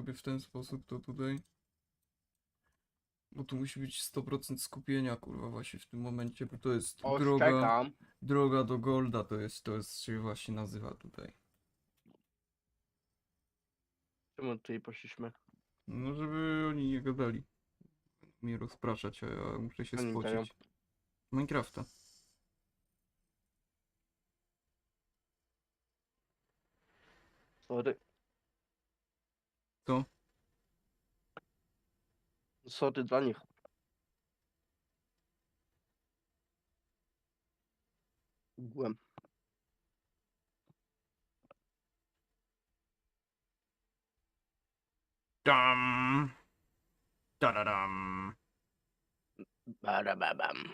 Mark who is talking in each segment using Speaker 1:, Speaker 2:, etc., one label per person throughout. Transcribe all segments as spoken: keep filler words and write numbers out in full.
Speaker 1: zrobię w ten sposób, to tutaj. Bo tu musi być sto procent skupienia, kurwa, właśnie w tym momencie, bo to jest
Speaker 2: O,
Speaker 1: droga,
Speaker 2: czekam.
Speaker 1: droga do Golda, to jest, to jest, się właśnie nazywa tutaj.
Speaker 2: Czemu tutaj poszliśmy?
Speaker 1: No, żeby oni nie gadali. Mnie rozpraszać, a ja muszę się
Speaker 2: Oni dają.
Speaker 1: spocić. Minecrafta.
Speaker 2: Sorry.
Speaker 1: To?
Speaker 2: Sorry dla nich. Byłem.
Speaker 1: Dam! Tadadam!
Speaker 2: Barababam.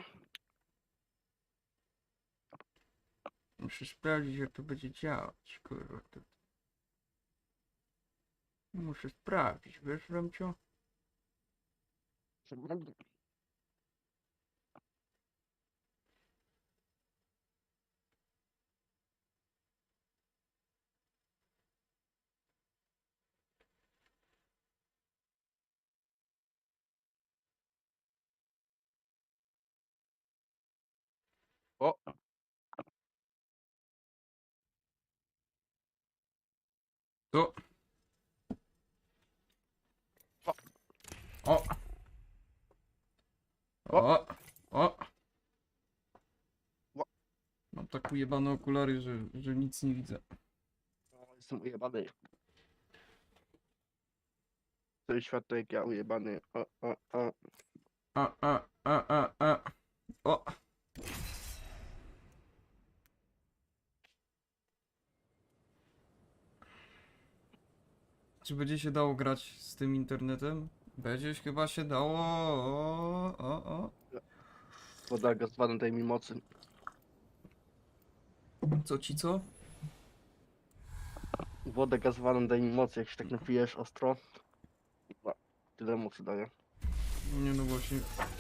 Speaker 1: Muszę sprawdzić, jak to będzie działać, kurwa. To... Muszę sprawdzić, wiesz, Ramcio?
Speaker 2: O,
Speaker 1: To... O! O! O!
Speaker 2: O.
Speaker 1: Mam tak ujebane okulary, że, że nic nie widzę.
Speaker 2: jestem ujebany. Cały świat to jak ja ujebany. O, o, o.
Speaker 1: A, a, a, a, a. O! Czy będzie się dało grać z tym internetem? Będzie chyba się dało. O, o, o.
Speaker 2: Woda gazowana daj mi mocy.
Speaker 1: Co ci co?
Speaker 2: Wodę gazowaną daj mi mocy. Jak się tak napijesz ostro. No, tyle mocy daje.
Speaker 1: Nie no właśnie.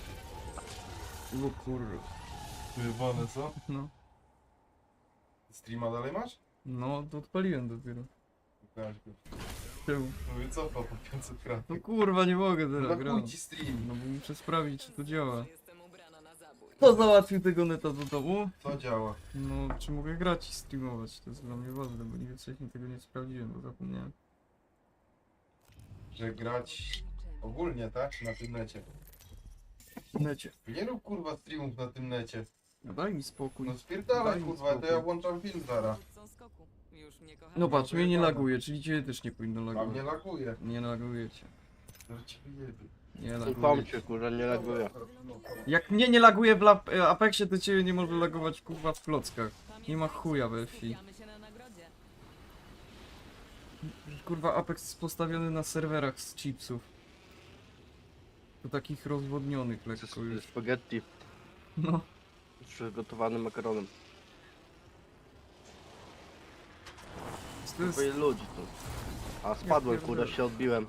Speaker 1: O kurwa.
Speaker 3: Wyjebane co?
Speaker 1: No.
Speaker 3: Streama dalej masz?
Speaker 1: No, to odpaliłem dopiero.
Speaker 3: Pokaż go.
Speaker 1: Czemu?
Speaker 3: Mówię, cofał po pięćset
Speaker 1: No
Speaker 3: kratek.
Speaker 1: kurwa, nie mogę
Speaker 3: No
Speaker 1: teraz
Speaker 3: chuj
Speaker 1: grać.
Speaker 3: ci stream.
Speaker 1: No bo muszę sprawdzić, czy to działa.
Speaker 4: Jestem ubrana na zabój.
Speaker 1: Kto załatwił tego neta do domu?
Speaker 3: Co działa?
Speaker 1: No, czy mogę grać i streamować? To jest dla mnie ważne, bo nigdy wcześniej tego nie sprawdziłem, bo zapomniałem.
Speaker 3: Że grać ogólnie, tak? Na tym necie.
Speaker 1: W necie.
Speaker 3: Nie rób kurwa streamów na tym necie.
Speaker 1: No daj mi spokój.
Speaker 3: No spierdalaj
Speaker 1: Daj mi
Speaker 3: kurwa, to
Speaker 1: spokój.
Speaker 3: ja włączam film zaraz.
Speaker 4: Dowódcą skoku. Już mnie kochasz.
Speaker 1: No patrz, mnie nie
Speaker 3: Wyjebane.
Speaker 1: laguje, czyli ciebie też nie powinno
Speaker 3: A mnie
Speaker 1: lagować.
Speaker 3: laguje.
Speaker 1: Nie laguje cię.
Speaker 3: Że ci wyjebie.
Speaker 1: Nie
Speaker 2: Ufam
Speaker 1: laguje
Speaker 2: cię,
Speaker 1: cię.
Speaker 2: kurwa, nie laguje.
Speaker 1: Jak mnie nie laguje w lap- e, Apexie, to ciebie nie może lagować kurwa w klockach. Nie ma chuja we wsi.
Speaker 4: Skupiamy się na nagrodzie.
Speaker 1: Kurwa Apex jest postawiony na serwerach z chipsów. To takich rozwodnionych lekko już.
Speaker 2: Spaghetti
Speaker 1: No.
Speaker 2: z przygotowanym makaronem.
Speaker 1: To jest...
Speaker 2: Twoje ludzi tu. A spadłem,
Speaker 1: Ja
Speaker 2: kurwa,
Speaker 1: pierdolę.
Speaker 2: się odbiłem.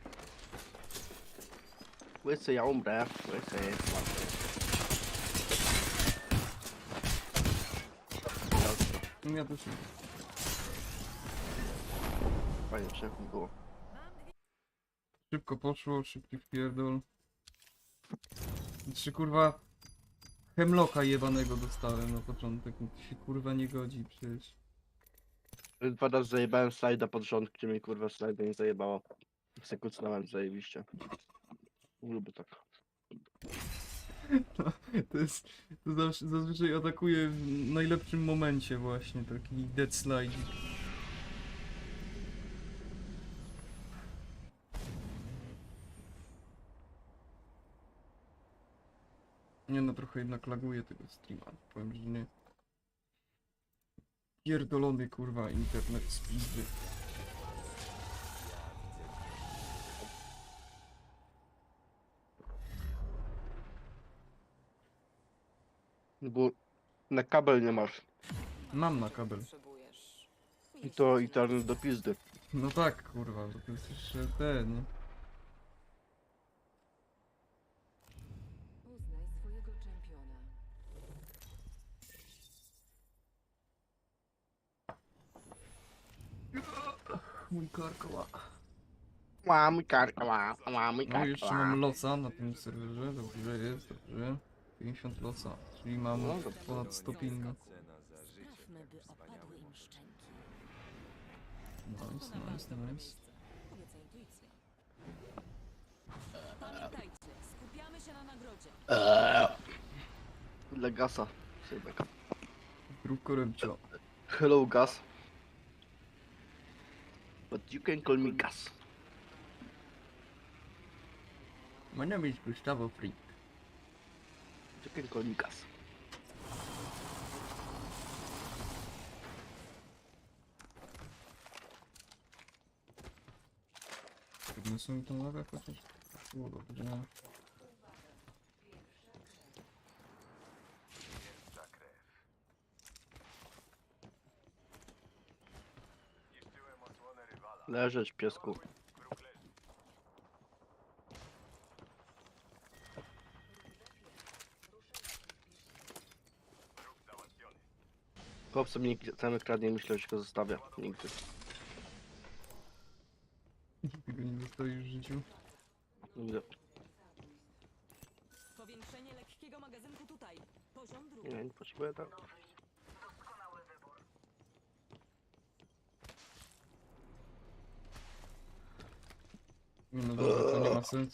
Speaker 2: Łysy, ja umrę. Łysy, łysy.
Speaker 1: Ja też nie.
Speaker 2: Fajnie, szybko było.
Speaker 1: Szybko poszło, szybki wpierdol. Czy kurwa Hemlocka jebanego dostałem na początek, no to się kurwa nie godzi przecież.
Speaker 2: Dwa razy zajebałem slajda pod rząd, gdzie mi kurwa slajda nie zajebało. Sekundowałem zajebiście. Lubię tak.
Speaker 1: To jest, to zawsze, zazwyczaj atakuje w najlepszym momencie właśnie, taki dead slide. Nie no, trochę jednak laguje tego streama, powiem, że nie. Pierdolony kurwa internet z pizdy.
Speaker 2: Bo na kabel nie masz.
Speaker 1: Mam na kabel.
Speaker 4: Potrzebujesz.
Speaker 2: I to internet do pizdy.
Speaker 1: No tak kurwa, bo to jest jeszcze ten, nie?
Speaker 4: Uznaj swojego czempiona.
Speaker 1: Mój karkoła.
Speaker 2: Ła, mój karka, ła, ła, mój
Speaker 1: No
Speaker 2: karka,
Speaker 1: jeszcze
Speaker 2: ła.
Speaker 1: mam loca na tym serwerze, dobrze jest, dobrze. pięćdziesiąt loca, czyli mam
Speaker 2: No, dobrze.
Speaker 1: ponad sto pinga.
Speaker 4: Sprawmy, by opadły im szczęki.
Speaker 1: Nice,
Speaker 4: To na
Speaker 1: nice,
Speaker 4: dobre
Speaker 1: nice.
Speaker 4: miejsce. Kobieca intuicja. Pamiętajcie, skupiamy się na nagrodzie.
Speaker 2: Dla gasa. Sejbeka.
Speaker 1: Drówko rybcio.
Speaker 2: Hello, gas. But you can call me gas.
Speaker 1: My name is Gustavo Freak.
Speaker 2: You can call me gas.
Speaker 1: Podniosą mi tą lawę chociaż? Było dobrze.
Speaker 2: Leżeć, piesku. Chłopcy mnie cały kradnie, myślę, że się go zostawia. Nigdy.
Speaker 1: Tego nie zostawisz w życiu.
Speaker 2: Nigdy.
Speaker 4: Powiększenie lekkiego magazynku tutaj. Poziom drugi.
Speaker 2: Nie, nie potrzebuję tak.
Speaker 1: Nie, no dobra, to nie ma sensu.